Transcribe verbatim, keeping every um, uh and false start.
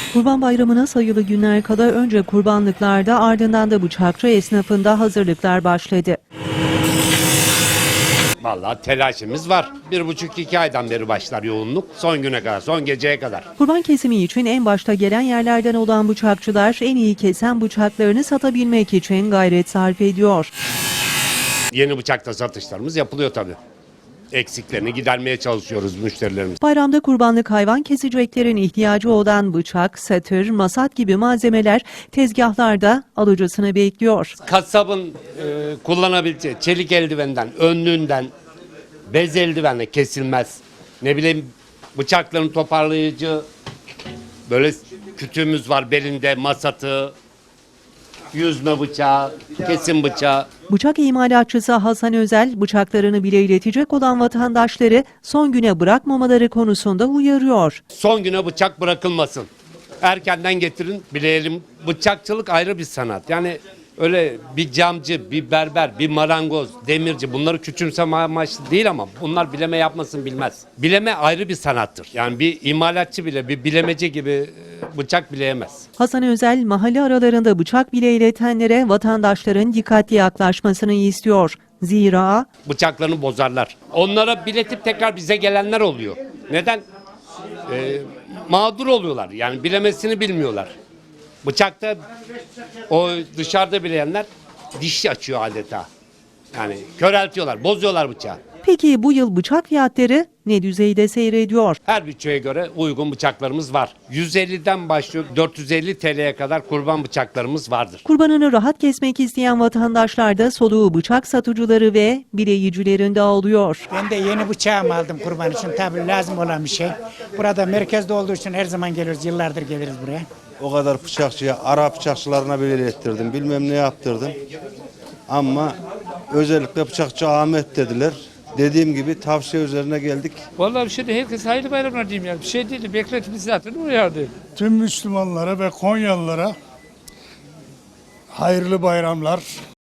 Kurban Bayramı'na sayılı günler kala önce kurbanlıklarda ardından da bıçakçı esnafında hazırlıklar başladı. Vallahi telaşımız var. Bir buçuk iki aydan beri başlar yoğunluk. Son güne kadar, son geceye kadar. Kurban kesimi için en başta gelen yerlerden olan bıçakçılar en iyi kesen bıçaklarını satabilmek için gayret sarf ediyor. Yeni bıçakta satışlarımız yapılıyor tabii. Eksiklerini gidermeye çalışıyoruz müşterilerimiz. Bayramda kurbanlık hayvan keseceklerin ihtiyacı olan bıçak, satır, masat gibi malzemeler tezgahlarda alıcısını bekliyor. Kasabın e, kullanabileceği çelik eldivenden, önlüğünden, bez eldivenle kesilmez. Ne bileyim bıçakların toparlayıcı böyle kütüğümüz var belinde, masatı, yüzme bıçağı, kesim bıçağı. Bıçak imalatçısı Hasan Özel, bıçaklarını bile iletecek olan vatandaşları son güne bırakmamaları konusunda uyarıyor. Son güne bıçak bırakılmasın. Erkenden getirin, bileyelim. Bıçakçılık ayrı bir sanat. Yani öyle bir camcı, bir berber, bir marangoz, demirci bunları küçümseme amaçlı değil ama bunlar bileme yapmasın bilmez. Bileme ayrı bir sanattır. Yani bir imalatçı bile, bir bilemeci gibi e, bıçak bileyemez. Hasan Özel, mahalle aralarında bıçak bile iletenlere vatandaşların dikkatli yaklaşmasını istiyor. Zira Bıçaklarını bozarlar. Onlara biletip tekrar bize gelenler oluyor. Neden? Ee, mağdur oluyorlar. Yani bilemesini bilmiyorlar. Bıçakta o dışarıda bileyenler diş açıyor adeta. Yani köreltiyorlar, bozuyorlar bıçağı. peki bu yıl bıçak fiyatları ne düzeyde seyrediyor? Her bütçeye göre uygun bıçaklarımız var. yüz elliden başlıyor dört yüz elli T L'ye kadar kurban bıçaklarımız vardır. Kurbanını rahat kesmek isteyen vatandaşlar da soluğu bıçak satıcıları ve bileyicilerinde alıyor. Ben de yeni bıçağımı aldım kurban için. Tabii lazım olan bir şey. Burada merkezde olduğu için her zaman geliyoruz. Yıllardır geliriz buraya. O kadar bıçakçıya, Arap bıçakçılarına bile ilettirdim. Bilmem ne yaptırdım. Ama özellikle bıçakçı Ahmet dediler. Dediğim gibi tavsiye üzerine geldik. Vallahi bir şey de herkes hayırlı bayramlar diyeyim yani. Bir şey değil. Beklentimiz zaten uyardı. Tüm Müslümanlara ve Konyalılara hayırlı bayramlar.